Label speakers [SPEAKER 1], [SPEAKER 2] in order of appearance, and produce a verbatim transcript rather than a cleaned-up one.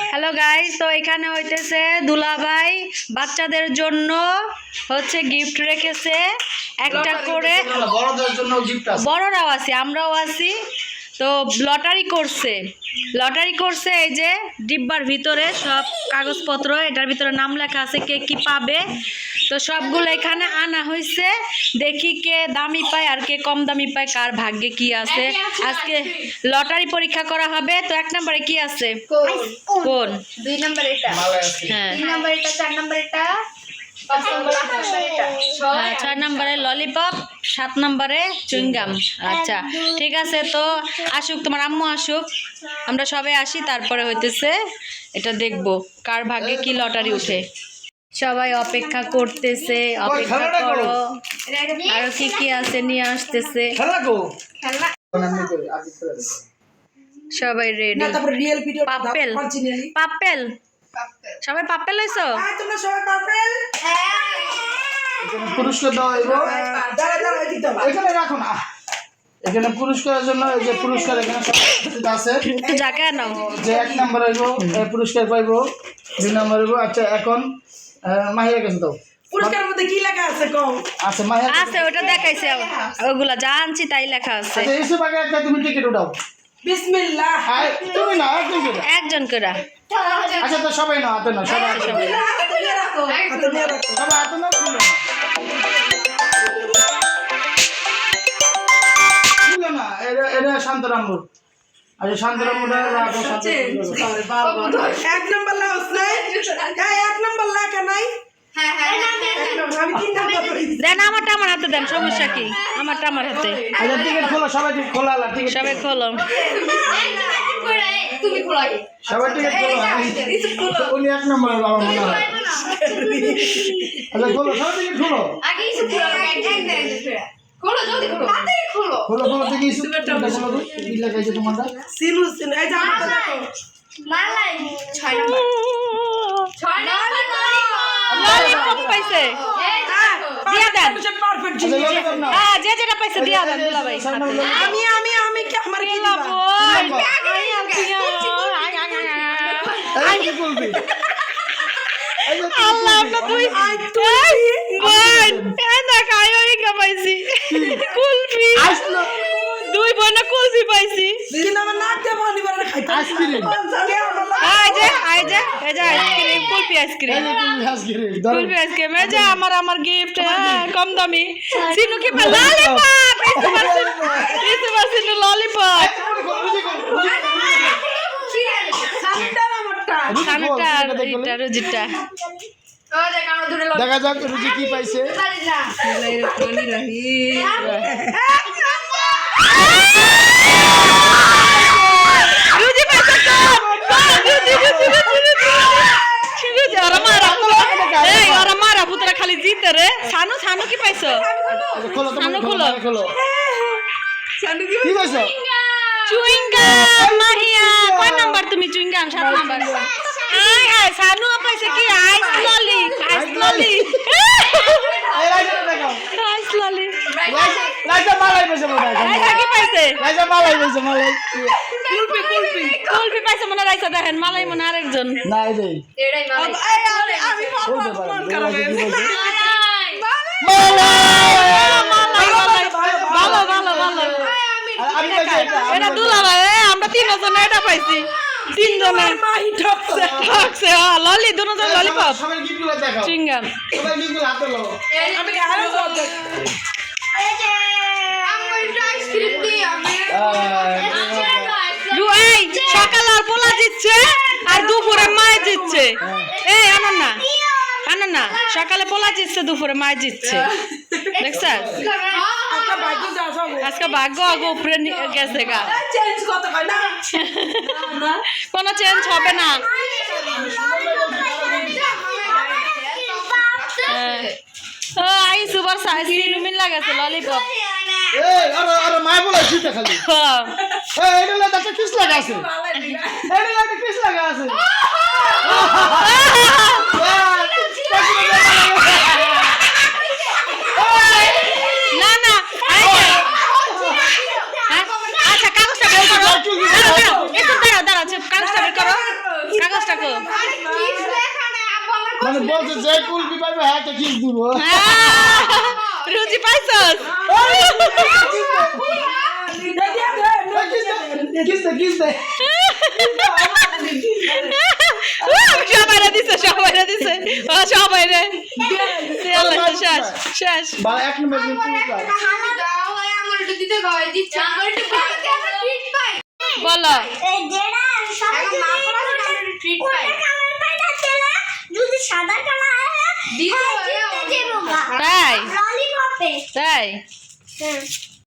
[SPEAKER 1] Hello guys, তো এখানে হইতেছে দুলাভাই বাচ্চাদের জন্য হচ্ছে গিফট রেখেছে একটা করে।
[SPEAKER 2] বড়দের জন্য গিফট আছে,
[SPEAKER 1] বড়রাও আছে, আমরাও আছি। তো লটারি করছে লটারি করছে এই যে ডিব্বার ভিতরে সব কাগজপত্র, এটার ভিতরে নাম লেখা আছে কে কি পাবে। তো সবগুলো এখানে আনা হয়েছে, দেখি কে দামি পায় আর কে কম দামি পায়, কার ভাগ্যে কি আছে। আজকে লটারি পরীক্ষা করা হবে। তো এক নম্বরে কি আছে? কোন?
[SPEAKER 3] দুই নম্বর এটা,
[SPEAKER 1] হ্যাঁ
[SPEAKER 3] তিন নম্বর এটা, চার নম্বর এটা, পাঁচ নম্বর এটা,
[SPEAKER 1] হ্যাঁ, ছয় নম্বরে ললিপপ, সাত নম্বরে চুইংগাম। আচ্ছা ঠিক আছে, তো আসুক তোমার আম্মু আসুক, আমরা সবাই আসি, তারপরে হইতেছে এটা দেখবো কার ভাগ্যে কি লটারি উঠে। সবাই অপেক্ষা করতেছে, অপেক্ষা করো, আরো কি কি আছে নিয়ে আসতেছে। সবাই রেডি। পাপ্পেল পাপ্পেল সবাই পাপ্পেল লইছো?
[SPEAKER 2] পুরস্কার দেওয়া হইব, এখানে রাখো না, এখানে পুরস্কারের জন্য এই যে পুরস্কার এখানে সব আছে।
[SPEAKER 1] একটু জায়গা নাও।
[SPEAKER 2] যে এক নম্বর হইব পুরস্কার পাইব, দুই নম্বর হইব। আচ্ছা এখন মাহিয়া কাছে দাও।
[SPEAKER 4] পুরস্কারের মধ্যে কি লেখা আছে কম?
[SPEAKER 2] আছে মাহিয়া
[SPEAKER 1] আছে, ওটা দেখাইছে, ওগুলা যা আনছি তাই লেখা আছে।
[SPEAKER 2] আচ্ছা এসব আগে একটা তুমি টিকিট উঠাও।
[SPEAKER 4] বিসমিল্লাহ।
[SPEAKER 2] হ্যাঁ তুমি না একজন করে।
[SPEAKER 1] একজন করে।
[SPEAKER 2] আচ্ছা তো সবাই না, হাতে না, সবাই হাতে
[SPEAKER 1] সবাই।
[SPEAKER 2] না,
[SPEAKER 4] হাতে নিয়ে রাখো, হাতে নিয়ে রাখো।
[SPEAKER 2] সবাই হাতে না, খুলো না, খুলো না। এটা এটা শান্তরামুর। আচ্ছা শান্তরামুরটা রাখো, শান্তরামুর।
[SPEAKER 4] এক নম্বর লাউস নাই, হ্যাঁ এক নম্বর লেখা নাই।
[SPEAKER 3] হ্যাঁ হ্যাঁ
[SPEAKER 4] এক নম্বর, আমি তিন নম্বর করেছি।
[SPEAKER 1] দেন আমারটা আমার হাতে দেন, সমস্যা কি? আমারটা আমার হাতে।
[SPEAKER 2] আচ্ছা টিকিট খোলো, সবাই টিকিট খোলা, টিকিট
[SPEAKER 1] সবাই খোলো।
[SPEAKER 3] তুমি খোলাই,
[SPEAKER 2] সবাই টিকিট খোলো। উনি এক নম্বরে বাবা মনে হয়। আচ্ছা খোলো, সবাই টিকিট খোলো,
[SPEAKER 3] আগে ইসু খোলো, এক এক দেন খোলো, জলদি খোলো, তাড়াতাড়ি খোলো।
[SPEAKER 2] খোলো খোলো থেকে ইস্যু খোলো তো। কি লেখাইছে তোমারটা?
[SPEAKER 4] সিনু সিনু, এই যে আমারটা দেখো।
[SPEAKER 3] মালাই ছয় নম্বর, ছয় নম্বর
[SPEAKER 1] ললিপপ পাইছে, দিয়া দেন।
[SPEAKER 4] পারফেক্ট
[SPEAKER 2] আচ্ছা ললিপপ নাও।
[SPEAKER 1] হ্যাঁ, যে যেটা পাইছে দিয়া দেন দুলাভাই।
[SPEAKER 4] আমি আমি আমি কি আমার কি দিবা?
[SPEAKER 2] এই কি বলবি?
[SPEAKER 1] আল্লাহ আপনার দুই বোন, হ্যাঁ না খাই ওই পাইছি কুলফি।
[SPEAKER 2] আসলো
[SPEAKER 1] দুই বোনে কুলফি পাইছি।
[SPEAKER 4] দিন আমার নাক দিয়ে পানি বের খাইতে।
[SPEAKER 2] আইসক্রিম।
[SPEAKER 4] কে আমার
[SPEAKER 1] আই যে আই যে এই যে আইসক্রিম, কুলফি আইসক্রিম,
[SPEAKER 2] এই যে তুমি আইসক্রিম ধরো।
[SPEAKER 1] কুলফি আইসক্রিম। এই যে আমার আমার গিফট, কম দামি। সিনু কি পাই? ললিপপ। ইসু পারছি, ইসু পারছি ললিপপ।
[SPEAKER 4] সাতটা আমারটা।
[SPEAKER 1] খানাটা আর এটা রুজিটা।
[SPEAKER 3] ও দেখ আমরা দূরে লড়
[SPEAKER 2] দেখা যাক রুজি কি পাইছে।
[SPEAKER 3] পারি না।
[SPEAKER 1] রুজি পাইছে তো। রুজি রুজি রুজি রুজি। রুজি আর মারা। এই আর মারা পুতরা খালি জিতে রে। সানু সানু কি পাইছো?
[SPEAKER 2] আচ্ছা খোলো তুমি,
[SPEAKER 1] সানু
[SPEAKER 2] খোলো
[SPEAKER 1] খোলো।
[SPEAKER 2] খোলো।
[SPEAKER 4] সানু কি
[SPEAKER 2] কি পাইছো?
[SPEAKER 1] চুইংগাম। মাহিয়া কয় নাম্বার তুমি? চুইংগাম সাত নাম্বার। আয় হায়, সানু পাইছে কি? আইস ললি, আইস ললি,
[SPEAKER 2] এই রাইজা দেখাও।
[SPEAKER 1] আইস ললি।
[SPEAKER 2] রাইজা রাইজা মালাই পাইছে মনে হয়।
[SPEAKER 1] রাইসা কি পাইছে?
[SPEAKER 2] রাইজা মালাই পাইছে, মালাই।
[SPEAKER 1] কুলফি কুলফি কুলফি পাইছে মনে হয়। রাইসা দেখেন, মালাই মনে হয় আরেকজন।
[SPEAKER 2] না এই যে
[SPEAKER 3] এটাই মালাই।
[SPEAKER 4] এই আমি আমি
[SPEAKER 2] বলতে
[SPEAKER 4] পারবো
[SPEAKER 2] পারেন।
[SPEAKER 4] মন খারাপ হয়ে গেছে।
[SPEAKER 1] মালাই মালাই ভালো ভালো ভালো।
[SPEAKER 2] আমি পাইছি এটা।
[SPEAKER 1] এটা দুলাভাই, আমরা তিনজন এটা পাইছি। তিনজনের
[SPEAKER 4] মাহি ঠকছে।
[SPEAKER 1] ঠকছে। ললি দুজন ললিপপ,
[SPEAKER 2] সবাই গিফটগুলো দেখাও।
[SPEAKER 1] চুইংগাম।
[SPEAKER 2] সবাই গিফটগুলো হাতে লও।
[SPEAKER 4] আমি কি আরো বলতে?
[SPEAKER 3] আমরা এটা আইসক্রিম দিই আমি।
[SPEAKER 1] দু এই সকাল আর পোলা জিতছে আর দুপুরে মায় জিতছে। এই আনন্দ না আনন্দ না, সকালে পোলা জিতছে, দুপুরে মায় জিতছে। দেখছেন
[SPEAKER 4] একটা ভাগ্য যা সব
[SPEAKER 1] আজকে ভাগ্য আগে উপরে নিয়ে গেছে গা।
[SPEAKER 4] চেঞ্জ কত হয় না?
[SPEAKER 1] কোনো চেঞ্জ হবে না। ও আই সুপার সাইজ লুমিন লাগাছে ললিপপ।
[SPEAKER 2] এই আরে আরে মাই বলে জিতে খালি। এই এটা লাগা একটা কিস লাগা আছে। এটা লাগা কিস লাগা আছে।
[SPEAKER 1] না না আচ্ছা কাগজটা বের করো। দাঁড়াও দাঁড়াও, একটু দাঁড়াও দাঁড়াও, কাগজটা বের করো, কাগজটা
[SPEAKER 2] মানে বলছে যে কুলপি পাইবে হ্যাঁ তো কিস দিব
[SPEAKER 1] রুচি পাইছস
[SPEAKER 2] কিস দে কিস দে
[SPEAKER 1] সবাই দিছে সবাই দিছে ও সবাই রে শেষ শেষ
[SPEAKER 2] বা এক নম্বর দিন পুরস্কার
[SPEAKER 3] দাও ভাই আমার একটু দিতে গায় দিচ্ছে আমার একটু ভালো কি আমরা ট্রিট পাই
[SPEAKER 1] বলো
[SPEAKER 5] এই যেটা সবাই
[SPEAKER 3] এখন মা পড়া থেকে আমরা ট্রিট পাই
[SPEAKER 5] কালার পাইটা তেলা যদি সাদা কালার হয়
[SPEAKER 3] দিতে
[SPEAKER 5] হ্যাঁ
[SPEAKER 3] হয়
[SPEAKER 5] জিততে যাবো
[SPEAKER 1] তাই
[SPEAKER 5] ললিপপে
[SPEAKER 1] তাই
[SPEAKER 5] হ্যাঁ